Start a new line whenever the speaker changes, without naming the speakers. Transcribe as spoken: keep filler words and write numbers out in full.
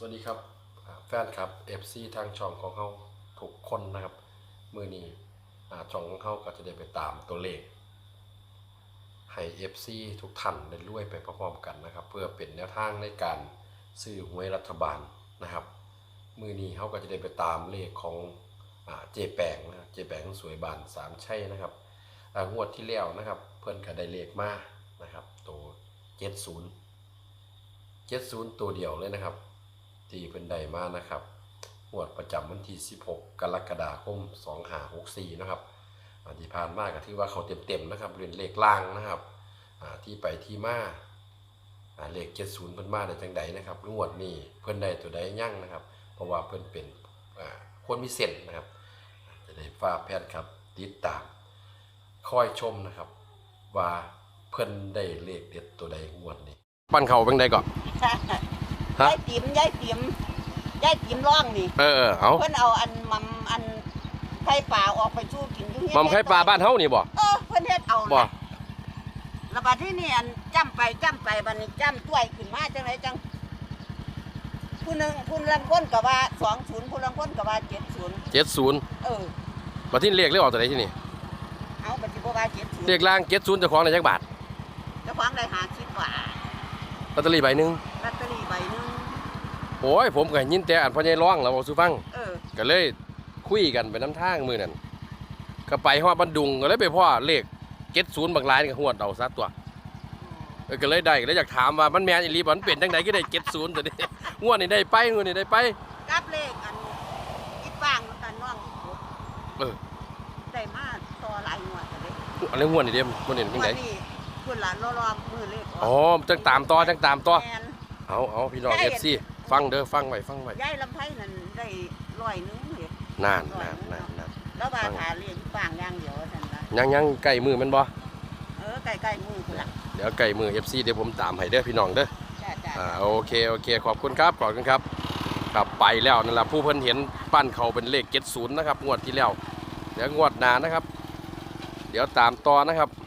วัสดีครับแฟนครับ เอฟ ซี ทางช่องของเขาทุกคนนะครับมือนี้ช่องของเขาก็จะได้ไปตามตัวเลขให้ เอฟ ซี ทุกท่านได้รวยไปพร้อมๆกันนะครับเพื่อเป็นแนวทางในการซื้อหวยรัฐบาลนะครับมือนี้เขาก็จะได้ไปตามเลขของเจแปงนะเจแปงสวยบานสามชัยนะครับงวดที่แล้วนะครับเพื่อนก็ได้เลขมานะครับตัวเจ็ดศูนย์เจ็ดศูนย์ตัวเดียวเลยนะครับที่เพิ่นได้มานะครับงวดประจำวันที่สิบหกกรกฎาคมสองห้าหกสี่นะครับที่ผ่านมาก็ถือว่าเขาเต็มๆนะครับเรียนเลขล่างนะครับที่ไปที่มาเลขเจ็ดศูนย์เพิ่นมาได้จังใดนะครับงวดนี้เพิ่นได้ตัวใดยั่งนะครับเพราะว่าเพิ่นเป็นคนมีเส้นนะครับจะได้ฝากแพทย์ครับติดตามคอยชมนะครับว่าเพิ่นได้เลขเด็ดตัวใดงวดนี้ปั้นเขาเป็นใดก่อน
ยายติ๋มยายติ๋มยายติ๋มร้องนี่
เออเออเอา
เพิ่นเอาอันมัมอันไข่ปลาออกไปชูกินอยู่
มัมไข่ปลาบ้านเฮานี่บ่
เออเพิ่นเฮ็ดเอาบ่แล้วบัดที่นี่อันจ้ำไปจ้ำไปบัดนี้จ้ำต้วยขึ้นมาจังไดจังผู้นึงผู้ลังคนก็ว่าสองศูนย์ผู้ลังคนก็ว่าเจ็ดศูนย์
เจ็ดศูนย์
เออ
บัดที่เลขเลขออกตัวใดที่นี่
เอาบัดสิบ่ว่าเจ็ดศูนย์
เลขล่างเจ็ดศูนย์เจ้าของได้จักบาท
เจ้าของได้ห้าสิบบาท
ลอตเตอรี่ใบนึง
ลอตเตอรี่ใบนึง
โอ้ยผมก็ยินแต่อันพ่อใหญ่ร้องแล้วบ่สู้ฟัง
เออ
ก็เลยคุยกันไปน้ำทางมื้อนั้นก็ไปฮอดบันดุงก็เลยไปพ่อเลขเจ็ดศูนย์บักหลายนี่ก็ฮวดเอาซะตัวเออก็เลยได้ก็เลยอยากถามว่ามันแม่นอีหลีบ่มันเป็นจังได๋ก็ได้เจ็ดศูนย์ตัวนี้งวดนี้ได้ไปงวดนี้ได้ไป
กับเลขอันอีฟางกันน้อง
เออ
ได้มาต่อหลายงวดเลย
อันนี้งวดนี่เด้งวดนี้เป็นไง
คุณหลานรอๆมือเลข
อ๋อจังตามต่อจังตามต่อเอาเอาพี่น้อง เอฟ ซี ฟังเด้อฟังไว้ฟังไว้
ยายลำไผ่นั่นได้ร้อยนึงเฮ็ด
นานนานนานนาน
แล้วว่าหาเลี้ยงฟางอย่างเดียวซั่นล่ะ
ยังยังใกล้มือมันบ่
เออใกล้ๆมือพุ่นล่ะ
เดี๋ยวใกล้มือ เอฟ ซี เดี๋ยวผมตามให้เด้อพี่น้องเด้อ
จ้าๆ
อ่าโอเคโอเคขอบคุณครับขอบคุณครับครับไปแล้วนั่นล่ะผู้เพิ่นเห็นปั้นเขาเป็นเลขเจ็ดศูนย์นะครับงวดที่แล้วเดี๋ยวงวดหน้านะครับเดี๋ยวตามต่อนะครับ